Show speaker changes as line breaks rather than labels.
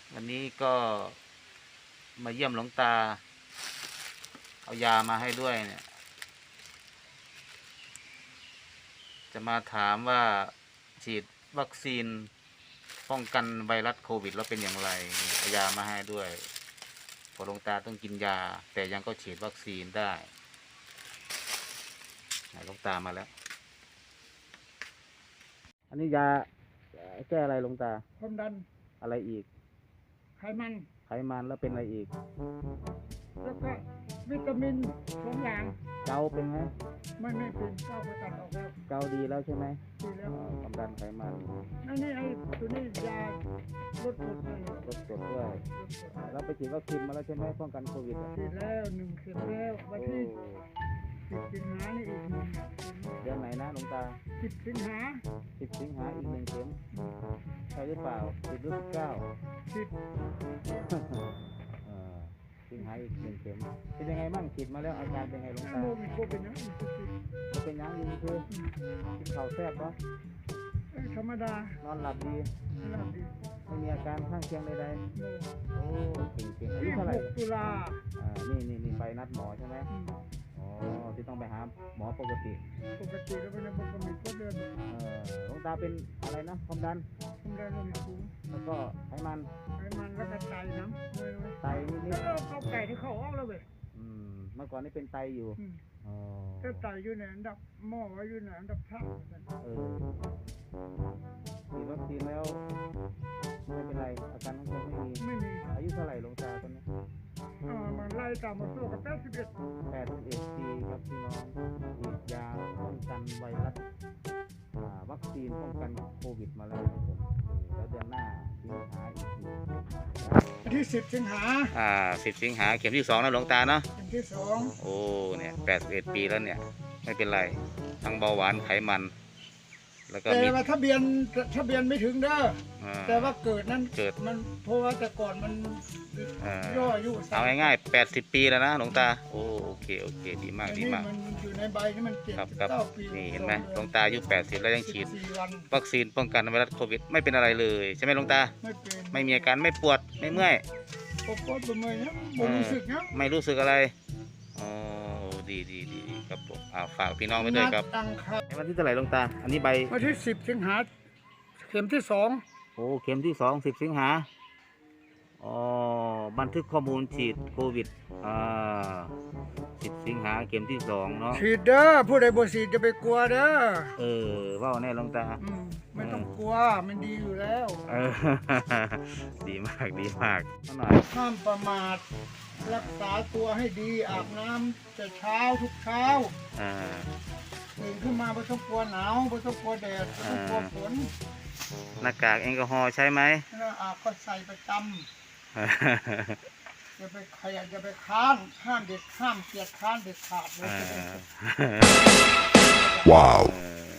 วันนี้ก็มาเยี่ยมหลวงตาเอายามาให้ด้วยเนี่ย จะมาถามว่าฉีดวัคซีนป้องกันไวรัสโควิดแล้วเป็นอย่างไรเอายามาให้ด้วยพอหลวงตาต้องกินยาแต่ยังก็ฉีดวัคซีนได้หลวงตามาแล้วอันนี้ยาแก้อะไรหลวงตา
ความดัน
อะไรอีก
ไขมัน
แล้วเป็นอะไรอีก
แล้วก็วิตามิน2 อย่าง
เกาเป็นไหม
ไม่เป็นเกาไปตัดออกแล้ว
เกาดีแล้วใช่ไหม
ดีแล้ว
ความดันไขมัน
อันนี้ไอ้ตัวนี้ยาลดกรดเลย
ลดกรดด้วยเราไปฉีดวัคซีนมาแล้วใช่ไหมป้องกันโควิด
ฉีดแล้ว1 เข็มแล้ววันที่10 สิงหานี่อีก1
เดือนไหนนะหลวงตา
10 สิงหา
อีก1 เข็มใช่หรือเปล่า10 หรือ 19
10
สิงหาอีก1 เข็มเป็นยังไงบ้างฉีดมาแล้วอาการเป็นไงหลวงตา
มีโคเป็นยัง
เป็นยังดีคือกินข้าวแซ่บปะ
ธรรมดาน
อนหลับดีไม่มีอาการข้างเคียงใดๆโอ้เก่งอายุเท่าไหร่
6 ตุลา
นี่ไปนัดหมอใช่ไหมอ๋อที่ต้องไปหาหมอปกติ
แล้วเป็นปกติก็เดือน
หลวงตาเป็นอะไรนะความดัน
โลหิตสูง
แล้วก็ไขมัน
แล้วก็ไตน้
ำไตนิด
ๆแล้วไก่ที่เขาออกแล้วเว้ย
เมื่อก่อนนี่เป็นไตอยู่
ก็ไตอยู่ในอันดับหม้ออยู่ในอันดับ3
ฉีดวัคซีนแล้วไม่เป็นไรอาการของเขาไม่มีอายุเท่าไหร่หลวงตาตอนนี้
มันไล่ตามมาสู้กับ81
ปีครับพี่น้องฉีดยาป้องกันไวรัสวัคซีนป้องกันโควิดมาแล้วครับผมแล้วเดือนหน้าสิงหาอีกที
ที่10 สิงหา
10 สิงหาเข็มที่2นะหลวงตาเนาะ
เข็มที่2
โอ้เนี่ย81 ปีแล้วเนี่ยไม่เป็นไรทั้งเบาหวานไขมันแล้วก็
แต่ว่าทะเบียนไม่ถึงเด้อแต่ว่าเกิดนั้นมันเพราะว่าแต่ก่อนมันย่ออายุ
เอาง่ายๆ80 ปีแล้วนะหลวงตาโอเคดีมาก
มันอยู่ในใบนี่มัน
79 ปีนี่เห็นไหมหลวงตาอายุ80แล้วยังฉีดวัคซีนป้องกันไวรัสโควิดไม่เป็นอะไรเลยใช่ไหมหลวงตาไม่มีอาการไม่ปวดไม่เมื่อย
ปวดเมื่อยนะไม่รู้สึกนะ
ไม่รู้สึกอะไรดีครับผมฝากพี่น้องไว้ด้วยครับวันที่เท่าไหร่หลวงตาอันนี้ใบ
วันที่10 สิงหาเข็มที่2
เข็มที่2 10 สิงหาบันทึกข้อมูลฉีดโควิด10 สิงหาเข็มที่2เนาะ
ฉีดเด้อผู้ใดบ่ฉีดจะไปกลัวเด้อ
ว่าแน่หลวงตา
ไม่ต้องกลัวมันดีอยู่แล้ว
ดีมากหน่อย
ห้ามประมาทรักษาตัวให้ดีอาบน้ำแต่เช้าทุกเช้าตื่นขึ้นมาไม่ต้องกลัวหนาวไม่ต้องกลัวแดดไม่ต้องกลัวฝน
หน้ากากแอลกอฮอล์ใช่ไหม
ก็ใส่ประจำอย่าไปค้านห้ามเกียจค้านเด็ดขาดเลย
ว้าว